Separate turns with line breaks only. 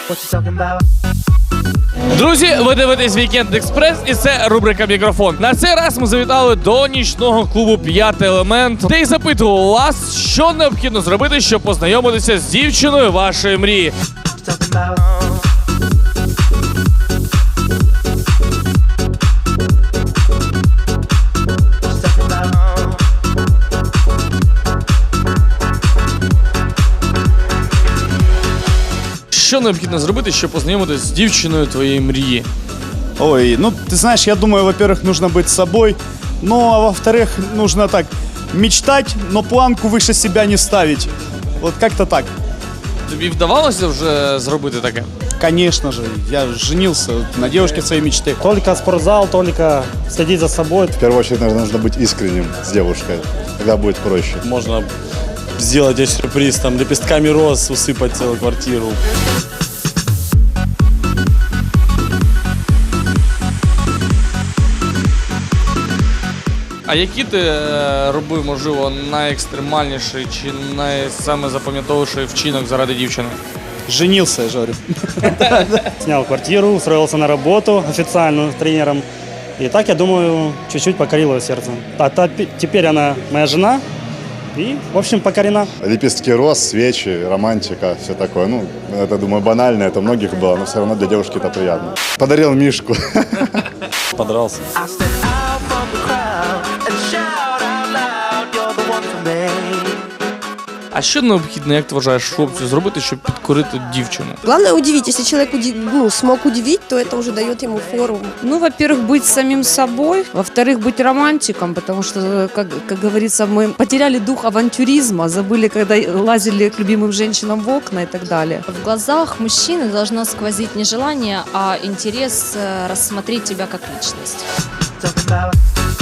Друзі, ви дивитесь Вікенд Експрес і це рубрика «Мікрофон». На цей раз ми завітали до нічного клубу «П'ятий елемент», де й запитували вас, що необхідно зробити, щоб познайомитися з дівчиною вашої мрії. Що необхідно зробити, щоб познайомитися з дівчиною твоєї мрії?
Ой, ну ты знаешь, я думаю, во-первых, нужно быть собой, ну а во-вторых, нужно так мечтать, но планку выше себя не ставить. Вот как-то так.
Тобі вдавалося вже зробити таке?
Конечно же, я женился на девушке своей мечты.
Только спортзал, только следить за собой.
В первую очередь, наверное, нужно быть искренним с девушкой, тогда будет проще.
Можно сделать ей сюрприз, там, лепестками роз усыпать целую квартиру.
А який ти робив, можливо, найекстремальніший чи найсаме запам'ятовіший вчинок заради дівчини?
Женился, я же говорю.
Снял квартиру, устроился на работу официальную тренером. И так, я думаю, чуть-чуть покорил ее сердце. Теперь она моя жена и, в общем, покорена.
Лепестки роз, свечи, романтика, все такое. Ну, это, думаю, банально, это у многих было, но все равно для девушки это приятно. Подарил Мишку.
Подрался.
А що необхідно, як ти вважаєш, хлопцю зробити, щоб підкорити дівчину?
Главное удивить. Если человек смог удивить, то это уже дает ему фору.
Ну, во-первых, быть самим собой, во-вторых, быть романтиком, потому что, как говорится, мы потеряли дух авантюризма, забыли, когда лазили к любимым женщинам в окна и так далее.
В глазах мужчины должно сквозить не желание, а интерес рассмотреть тебя как личность.